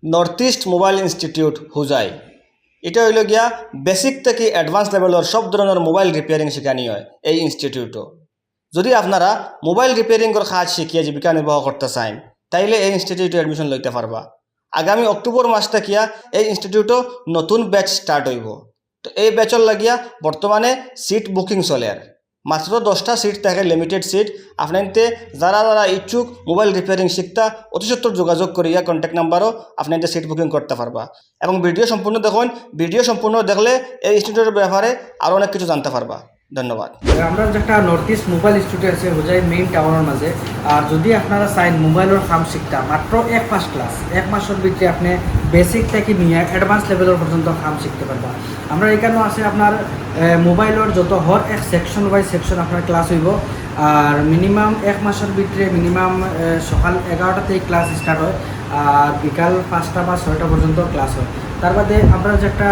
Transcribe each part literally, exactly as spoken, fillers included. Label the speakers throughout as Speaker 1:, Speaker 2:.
Speaker 1: North east mobile institute Hojai. এটা হইল গিয়া বেসিক থেকে অ্যাডভান্স লেভেলের সব ধরনের মোবাইল রিপেয়ারিং শেখানি হয় এই ইনস্টিটিউটও। যদি আপনারা মোবাইল রিপেয়ারিংয়ের কাজ শিখিয়ে জীবিকা নির্বাহ করতে চান তাইলে এই ইনস্টিটিউটে অ্যাডমিশন লইতে পারবা। আগামী অক্টোবর মাস থাকিয়া এই ইনস্টিটিউটও নতুন ব্যাচ স্টার্ট হইব। তো এই ব্যাচর লাগিয়া বর্তমানে সিট বুকিং চলে, আর মাত্র দশটা সিট থাকে, লিমিটেড সিট। আপনাতে যারা যারা ইচ্ছুক মোবাইল রিপেয়ারিং শিখতা অতি সত্তর যোগাযোগ করিয়া কন্ট্যাক্ট নাম্বারও আপনাদের সিট বুকিং করতে পারবা। এবং ভিডিও সম্পূর্ণ দেখুন, ভিডিও সম্পূর্ণ দেখলে এই ইনস্টিটিউটের ব্যাপারে আরও অনেক কিছু জানতে পারবা। ধন্যবাদ।
Speaker 2: আমরা যেটা নর্থ ইস্ট মোবাইল ইনস্টিটিউট আছে হুজাই মেইন টাউনের মাঝে। আর যদি আপনারা চাইন মোবাইলের কাম শিখতা মাত্র এক মাস ক্লাস, এক মাসের ভিতরে আপনি বেসিক থেকে নিয়ে অ্যাডভান্স লেভেলের পর্যন্ত কাম শিখতে পারবা। আমরা এখানেও আছে আপনার মোবাইলের যত হর এক সেকশন বাই সেকশন আপনার ক্লাস হইব। আর মিনিমাম এক মাসের ভিতরে মিনিমাম সকাল এগারোটা থেকে ক্লাস স্টার্ট হয়, আর বিকাল পাঁচটা বা ছয়টা পর্যন্ত ক্লাস হয়। তার বাদে আমরা যেটা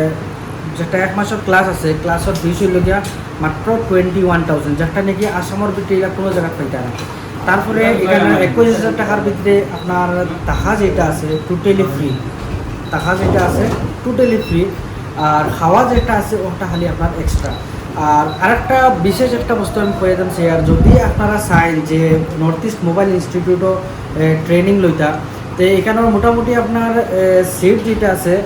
Speaker 2: যেটা এক মাসের ক্লাস আছে, ক্লাসের ফিস হইল গিয়া মাত্র টোয়েন্টি ওয়ান থাউজেন্ড, যেটা নাকি আসামের ভিতরে এটা কোনো জায়গায় পাইতে না। তারপরে এখানে একুশ হাজার টাকার ভিতরে আপনার টাকা যেটা আছে টোটালি ফ্রি, টাকা যেটা আছে টোটালি ফ্রি। আর খাওয়া যেটা আছে ওটা খালি আপনার এক্সট্রা। আর আরেকটা বিশেষ একটা বস্তু আমি কয়ে দিচ্ছি, আর যদি আপনারা চাইন যে নর্থ ইস্ট মোবাইল ইনস্টিটিউটও ট্রেনিং লইতা, তো এখানেও মোটামুটি আপনার সিট যেটা আছে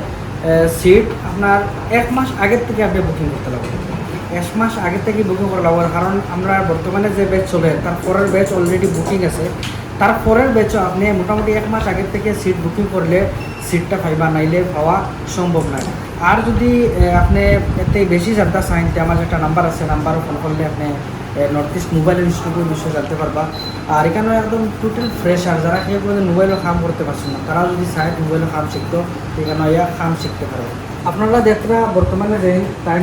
Speaker 2: সিট আপনার এক মাস আগের থেকে আপনি বুকিং করতে লাগবে। এক মাস আগের থেকে বুকিং করা লাগবে, কারণ আমরা বর্তমানে যে ব্যাচ চলে তার পরের ব্যাচ অলরেডি বুকিং আছে। তার পরের ব্যাচও আপনি মোটামুটি এক মাস আগের থেকে সিট বুকিং করলে সিটটা পাইবা, নাইলে পাওয়া সম্ভব নয়। আর যদি আপনি এতে বেশি জানতে চান, আমার একটা নাম্বার আছে, নাম্বারও ফোন করলে আপনি নর্থ ইস্ট মোবাইল ইনস্টিটিউটের বিষয়ে জানতে পারবা। আর এখানে একদম টোটাল ফ্রেশ, আর যারা কেউ কোনো মোবাইলের কাম করতে পারছেন না তারা যদি চায় মোবাইলের কাম শিখতো এখানে ইয়া কাম শিখতে পারে। আপনারা দেখরা বর্তমানে যে টাইম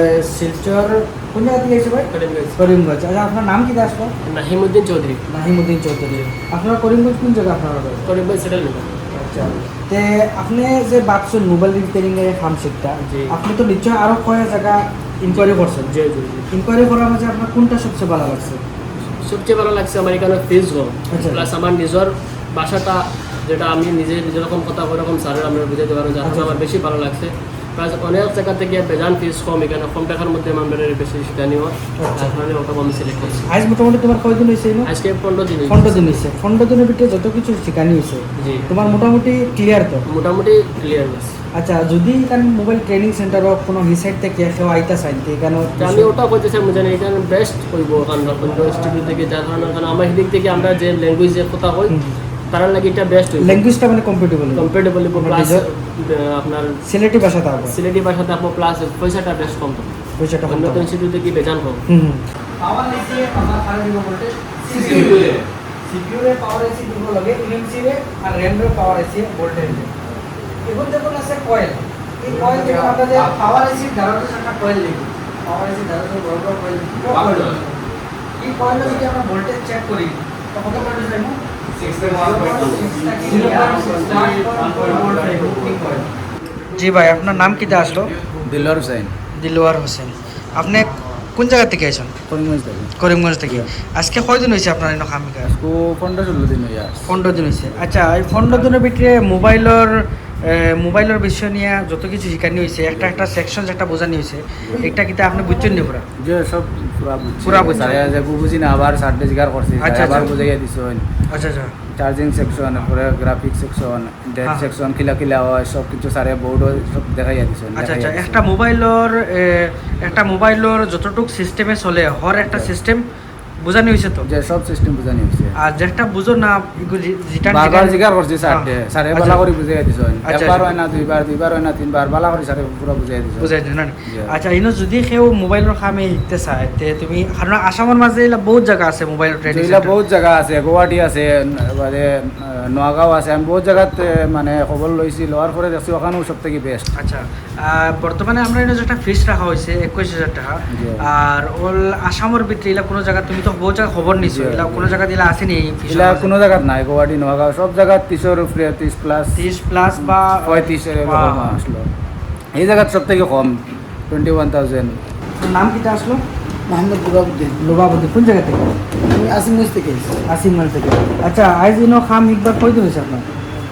Speaker 2: শিলচর কোন জায়গা থেকে এসে ভাই? করিমগঞ্জ। করিমগঞ্জ। আচ্ছা, আপনার নাম কি আসবো?
Speaker 3: নাহিমউদ্দিন চৌধুরী।
Speaker 2: নাহিমউদ্দিন চৌধুরী। আপনার করিমগঞ্জ কোন জায়গা আপনার?
Speaker 3: করিমগঞ্জ সেটেল।
Speaker 2: আচ্ছা, তে আপনি যে ভাবছেন মোবাইল রিপেয়ারিং এর কাম শিখতা, আপনি তো নিশ্চয় আরো কয়েক জায়গা ইনকোয়ারি করছেন।
Speaker 3: জি জি।
Speaker 2: ইনকোয়ারি করার মাঝে আপনার কোনটা সবচেয়ে ভালো লাগছে?
Speaker 3: সবচেয়ে ভালো লাগছে আমার এখানে ফিজ কম,
Speaker 2: আচ্ছা।
Speaker 3: প্লাস আমার নিজের ভাষাটা যেটা আমি নিজে যেরকম কথা ওরকম স্যারের আমরা বুঝাতে পারবো, যার জন্য আমার বেশি ভালো লাগছে। প্লাস অনেক জায়গা থেকে বেজান ফিজ কম, এখানে কম টাকার মধ্যে আমাদের বেশি শিখানিও, তার কারণে ওটা আমি সিলেক্ট করছি।
Speaker 2: আজ মোটামুটি তোমার কয়দিন হয়েছে?
Speaker 3: আজকে পনেরো দিন।
Speaker 2: পনেরো দিন হয়েছে। পনেরো দিনের ভিতরে যত কিছু শিখানি হয়েছে
Speaker 3: জি,
Speaker 2: তোমার মোটামুটি ক্লিয়ার তো?
Speaker 3: মোটামুটি ক্লিয়ার হয়েছে।
Speaker 2: আচ্ছা, যদি এখানে মোবাইল ট্রেনিং সেন্টার হোক কোনো হিসাইড থেকে কেউ আইতা চাইন তো এখানে
Speaker 3: আমি ওটা বলতে চাই জানি এখানে বেস্ট করবো, কারণ ইনস্টিটিউট থেকে যার কারণে কারণ আমার দিক থেকে আমরা যে ল্যাঙ্গুয়েজ যে কথা হই তার লাগে এটা বেস্ট হইব।
Speaker 2: ল্যাঙ্গুয়েজটা মানে কম্পিটেবল
Speaker 3: কম্পিটেবল প্লাস আপনার
Speaker 2: সিলেটি ভাষা থাকবে,
Speaker 3: সিলেটি ভাষাতে আপনার প্লাস পয়সাটা বেশ কম তো,
Speaker 2: পয়সাটা কম।
Speaker 3: অন্য ইনস্টিটিউটে কি বেজান কম।
Speaker 2: হুম পাওয়ার এসি আমরা খালি দিব বলতে সিপিইউ রে সিপিইউ রে পাওয়ার এসি দিব লাগে, ইএমসি রে আর র‍্যাম রে পাওয়ার এসি ভোল্টেজ রে। এখন যখন আছে কয়েল, এই কয়েল যেটা আমরা যে পাওয়ার এসি ধারণা একটা কয়েল লিখি, পাওয়ার এসি ধারণা বড় বড় কয়েল এই কয়েল যদি আমরা ভোল্টেজ চেক করি তো কত ভোল্টেজ পাবো? জি ভাই, আপনার নাম কি আসলো?
Speaker 4: দিলওয়ার হোসেন।
Speaker 2: দিলওয়ার হোসেন। আপনি কোন জায়গা থেকে আইছেন?
Speaker 4: করিমগঞ্জ থেকে।
Speaker 2: করিমগঞ্জ থেকে। আজকে কয়দিন হয়েছে আপনার এনে কাম কাজ?
Speaker 4: আজকে পনেরো ষোলো দিন হয়ে আসছে।
Speaker 2: পনেরো দিন হয়েছে। আচ্ছা, এই পনেরো দিনের ভিতরে মোবাইলের মোবাইলের বিষয় নিয়ে যত কিছু শিখানি হয়েছে, একটা একটা সেকশন একটা বোঝানি হয়েছে, এটা কিন্তু আপনি বুঝছেন নি পুরা?
Speaker 4: যে সব পুরা বুঝছি।
Speaker 2: পুরা বুঝছি।
Speaker 4: স্যারে যে বুঝি না আবার সার্টে জিগার করছি,
Speaker 2: আচ্ছা,
Speaker 4: আবার
Speaker 2: আচ্ছা।
Speaker 4: বুঝাইয়া দিছেন।
Speaker 2: আচ্ছা আচ্ছা।
Speaker 4: চার্জিং সেকশন, পরে গ্রাফিক সেকশন, ডেট
Speaker 2: হ্যাঁ।
Speaker 4: সেকশন, কিলা কিলা হয় সব কিছু স্যারে বোর্ড সব দেখাইয়া দিছেন।
Speaker 2: আচ্ছা আচ্ছা, একটা মোবাইলের একটা মোবাইলের যতটুক সিস্টেমে চলে হর একটা সিস্টেম বোঝানি হয়েছে তো?
Speaker 4: যে সব সিস্টেম বুঝানি হইছে।
Speaker 2: আর যেটা বুঝো না যেটা
Speaker 4: বারবার জিগার করছি সার্টে, স্যারে
Speaker 2: আচ্ছা।
Speaker 4: বালা করে বুঝাইয়া দিছেন।
Speaker 2: আচ্ছা,
Speaker 4: একবার
Speaker 2: আচ্ছা।
Speaker 4: হয় না, দুইবার দুইবার হয় না, তিনবার বালা করে স্যারে পুরো বুঝাইয়া দিছেন।
Speaker 2: বুঝাই দিন না?
Speaker 4: জি।
Speaker 2: আচ্ছা, ইনো যদি কেউ মোবাইলের কামে শিখতে চায় তে তুমি, কারণ আসামের মাঝে এলা বহুত জায়গা আছে মোবাইল ট্রেনিং
Speaker 4: যেগুলা বহুত জায়গা আছে, গুয়াহাটি আছে, মানে নোয়াগাঁও আছে, আমি বহুত জায়গাত মানে খবর লইছি, লওয়ার পরে দেখছি ওখানেও সব থেকে বেস্ট।
Speaker 2: আচ্ছা, আর বর্তমানে আমরা এনে যেটা ফিস রাখা হয়েছে একুশ হাজার টাকা।
Speaker 4: জি।
Speaker 2: আর ওল আসামের ভিতরে এলা কোনো জায়গা তুমি তো বহুত জায়গা খবর নিছো,
Speaker 4: জি।
Speaker 2: এলা কোনো জায়গা দিলা আসেনি এই ফিস?
Speaker 4: এগুলা কোনো জায়গাত নাই, গুয়াহাটি নোয়াগাঁও সব জায়গাত ত্রিশের উপরে, ত্রিশ প্লাস,
Speaker 2: ত্রিশ প্লাস বা
Speaker 4: পঁয়ত্রিশের এরকম
Speaker 2: বা-
Speaker 4: আসলো। এই জায়গাত সব থেকে কম টোয়েন্টি ওয়ান থাউজেন্ড।
Speaker 2: নাম কিটা আসলো?
Speaker 5: মোহাম্মদ রুবাবুদ্দিন।
Speaker 2: লোবাবুদ্দিন। কোন জায়গা থেকে?
Speaker 5: আমি আসিমগঞ্জ থেকে এসেছি।
Speaker 2: আসিমগঞ্জ থেকে। আচ্ছা, আজ ইনো খাম একবার কয়দিন হয়েছে আপনার?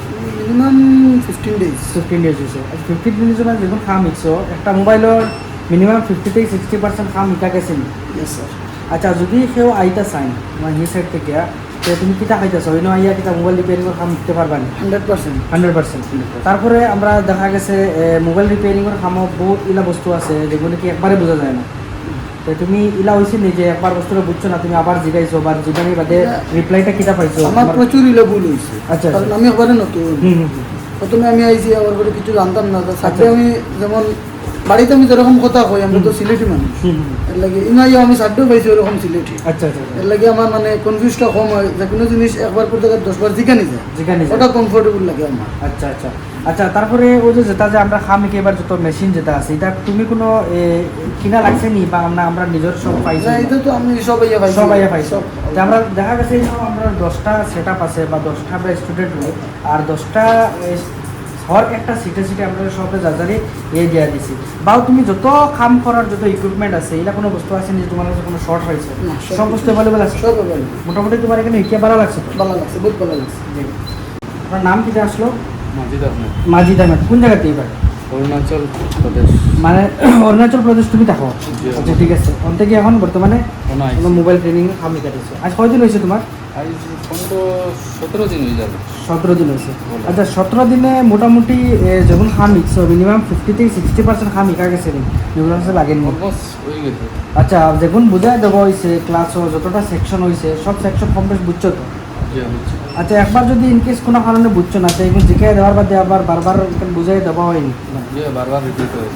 Speaker 5: Minimum fifteen days
Speaker 2: fifteen days হয়েছে ফিফটিন ডেজের মানে যখন খাম ইচ্ছো একটা মোবাইলের মিনিমাম ফিফটি থেকে সিক্সটি পার্সেন্ট খাম ইটা গেছে নি
Speaker 5: ইয়েস স্যার
Speaker 2: আচ্ছা যদি কেউ আইতা চাই মানে সেই সাইড থেকে তো তুমি কিতা খাইতেছো ওই আইয়া কিতা মোবাইল রিপেয়ারিংয়ের কাম দিতে পারবা না
Speaker 5: হান্ড্রেড পার্সেন্ট
Speaker 2: হান্ড্রেড পার্সেন্ট তারপরে আমরা দেখা গেছে মোবাইল রিপেয়ারিংয়ের কামও বহুত ইলা বস্তু আছে যেগুলো কি একবারে বোঝা যায় না তো তুমি ইলা হয়েছে নি যে একবার বস্তুটা বুঝছো না তুমি আবার জিগাইছো বা জিগানি বাদে রিপ্লাইটা কিতা পাইছো
Speaker 5: আমার প্রচুর ইলে ভুল হয়েছে
Speaker 2: আচ্ছা,
Speaker 5: কারণ
Speaker 2: আচ্ছা।
Speaker 5: আমি একবারে নতুন
Speaker 2: হুম হুম হুম।
Speaker 5: প্রথমে আমি আইছি আমার করে কিছু জানতাম না তো সাথে
Speaker 2: আচ্ছা।
Speaker 5: আমি যেমন বাড়িতে আমি যেরকম কথা কই আমরা তো সিলেটি মানুষ
Speaker 2: হুম, হুম।
Speaker 5: এর লাগে ইনাইও আমি সাথেও পাইছি ওরকম সিলেটি
Speaker 2: আচ্ছা আচ্ছা আচ্ছা।
Speaker 5: এর লাগে আমার মানে কনফিউজটা কম হয় যে কোনো জিনিস একবার পর জায়গায় দশবার জিকানি যায়
Speaker 2: জিগানি যায়।
Speaker 5: ওটা কমফোর্টেবল লাগে আমার
Speaker 2: আচ্ছা আচ্ছা আচ্ছা তারপরে ওই যে যেটা যে আমরা খাম এবার যত মেশিন যেটা আছে এটা তুমি কোনো এ, কিনা লাগছে নি বা আমরা আমরা নিজের সব পাইছি
Speaker 5: না এটা তো আমি সব ইয়ে পাইছি
Speaker 2: সব আইয়া পাইছি
Speaker 5: সব
Speaker 2: তো আমরা দেখা গেছে এই সব আমরা দশটা সেট আপ আছে বা দশটা আমরা স্টুডেন্ট হই আর দশটা হর একটা সিটে সিটে আমরা সবে যাজারে এ দিয়া দিছি বাও তুমি যত কাম করার যত ইকুইপমেন্ট আছে এটা কোনো বস্তু আছে নি যে তোমার কাছে কোনো শর্ট হয়েছে
Speaker 5: না, সব
Speaker 2: সব বস্তু অ্যাভেলেবল আছে
Speaker 5: সব available।
Speaker 2: মোটামুটি তোমার এখানে ইকে ভালো লাগছে তো
Speaker 5: ভালো লাগছে বহুত ভালো লাগছে
Speaker 2: জি। আপনার নাম কিটা আসলো
Speaker 4: মাজিদ আহমেদ
Speaker 2: মাজিদ আহমেদ কোন জায়গাতে এবার
Speaker 4: অরুণাচল প্রদেশ
Speaker 2: মানে অরুণাচল প্রদেশ তুমি দেখো
Speaker 4: জি।
Speaker 2: আচ্ছা ঠিক আছে ওখান থেকে এখন বর্তমানে
Speaker 4: কোনো আইসি।
Speaker 2: কোনো মোবাইল ট্রেনিং আমি কাটিয়েছো আজ কয়দিন হয়েছে তোমার
Speaker 4: আজ পনেরো সতেরো দিন হয়ে যাবে
Speaker 2: সতেরো দিন হয়েছে
Speaker 4: বলো।
Speaker 2: আচ্ছা সতেরো দিনে মোটামুটি এ, যখন খাম ইচ্ছো মিনিমাম ফিফটি থেকে সিক্সটি পার্সেন্ট খাম ইকা গেছে নি যেগুলো আছে লাগেনি
Speaker 4: অলমোস্ট হয়ে গেছে
Speaker 2: আচ্ছা যখন বুঝাই দেওয়া হয়েছে ক্লাসও যতটা সেকশন হয়েছে সব সেকশন কমপ্লিট বুঝছো তো
Speaker 4: জি বুঝছি
Speaker 2: আচ্ছা একবার যদি ইনকেস কোনো কারণে বুঝছো না তো এখন জিজ্ঞাসা দেওয়ার বাদে আবার বারবার এখানে বুঝাই দেওয়া হয়নি
Speaker 4: জি বারবার রিপিট হয়েছে